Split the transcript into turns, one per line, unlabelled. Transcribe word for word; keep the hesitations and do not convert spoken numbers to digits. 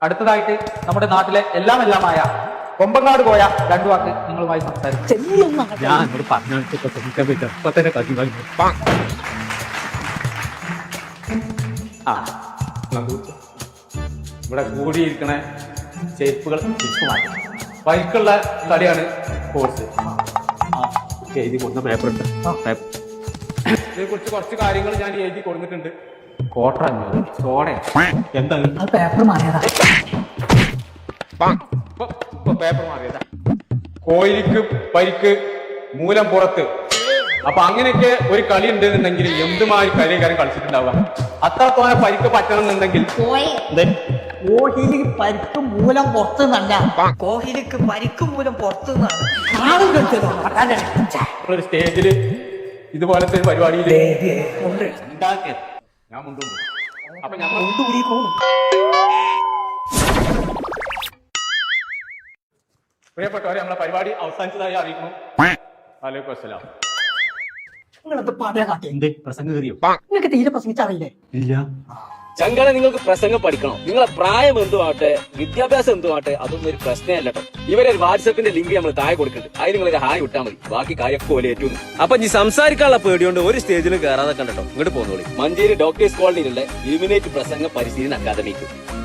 അടുത്തതായിട്ട് നമ്മുടെ നാട്ടിലെ എല്ലാം എല്ലാമായ കൊമ്പങ്ങാട് പോയ രണ്ടു വാക്ക് നിങ്ങളുമായി സംസാരിക്കും.
ഞാൻ പറഞ്ഞു ചെറുപ്പ തന്നെ കത്തി വാങ്ങി ആ ഇവിടെ കൂടിയിരിക്കണ ചെരുപ്പുകൾ തിരിച്ചു മാറ്റി ബൈക്കുള്ള കളിയാണ് കോഴ്സ്. എഴുതി കൊടുക്കുന്ന പേപ്പർ ഉണ്ട്. ഇതിനെ കുറിച്ച് കുറച്ച് കാര്യങ്ങൾ ഞാൻ എഴുതി കൊടുത്തിട്ടുണ്ട്. കോട്ടർ അഞ്ഞൂറ് സോഡ എന്താണ്
പേപ്പർ മാറിയതാ
പേപ്പർ മാറിയതാ കോയിലിക്ക് പരിക്ക് മൂലം പുറത്ത്. അപ്പൊ അങ്ങനെയൊക്കെ ഒരു കളി ഉണ്ടെന്നുണ്ടെങ്കിൽ എന്തുമാതിരി കളിക്കാരൻ കളിച്ചിട്ടുണ്ടാവുക. അത്രത്തോനെ പരിക്ക് പറ്റണം എന്നുണ്ടെങ്കിൽ
കോഹ്ലിക്ക് പരിക്ക് മൂലം പുറത്തു നിന്നല്ല, കോഹ്ലിക്ക് പരിക്ക് മൂലം പുറത്തു നിന്നാണ്
ഒരു സ്റ്റേജില് ഇതുപോലത്തെ ഒരു പരിപാടിയിൽ ഉണ്ടാക്കിയത് ഞാൻ മുണ്ടുണ്ട്. അപ്പൊ ഞാൻ പ്രിയപ്പെട്ടവരെ നമ്മളെ പരിപാടി അവസാനിച്ചതായി അറിയിക്കുന്നു. വലൈക്കും അസ്സലാം.
നിങ്ങളത് പറയാ കാട്ടി
എന്ത് പ്രസംഗം കയറിയോ?
നിങ്ങൾക്ക് തീരെ പ്രസംഗിച്ചറിയില്ലേ?
ഇല്ല.
ചങ്കളെ നിങ്ങൾക്ക് പ്രസംഗം പഠിക്കണം. നിങ്ങളെ പ്രായം എന്തുമാട്ടെ വിദ്യാഭ്യാസം എന്തുമാട്ടെ അതൊന്നും ഒരു പ്രശ്നമല്ല കേട്ടോ. ഇവരെ ഒരു വാട്സപ്പിന്റെ ലിങ്ക് നമ്മൾ താഴെ കൊടുക്കുന്നുണ്ട്. അതിന് നിങ്ങൾ ഒരു ഹായ് വിട്ടാൽ മതി. ബാക്കി കാര്യമൊക്കെ പോലെ ഏറ്റവും. അപ്പൊ ഈ സംസാരിക്കാനുള്ള പേടിയോണ്ട് ഒരു സ്റ്റേജിലും കയറാതെ കണ്ടോ. ഇങ്ങോട്ട് പോകുന്നോളി. മഞ്ചേരി ഡോക്ടേഴ്സ് കോളനിയിലുള്ള ഇലുമിനേറ്റ് പ്രസംഗ പരിശീലന അക്കാദമിക്ക്.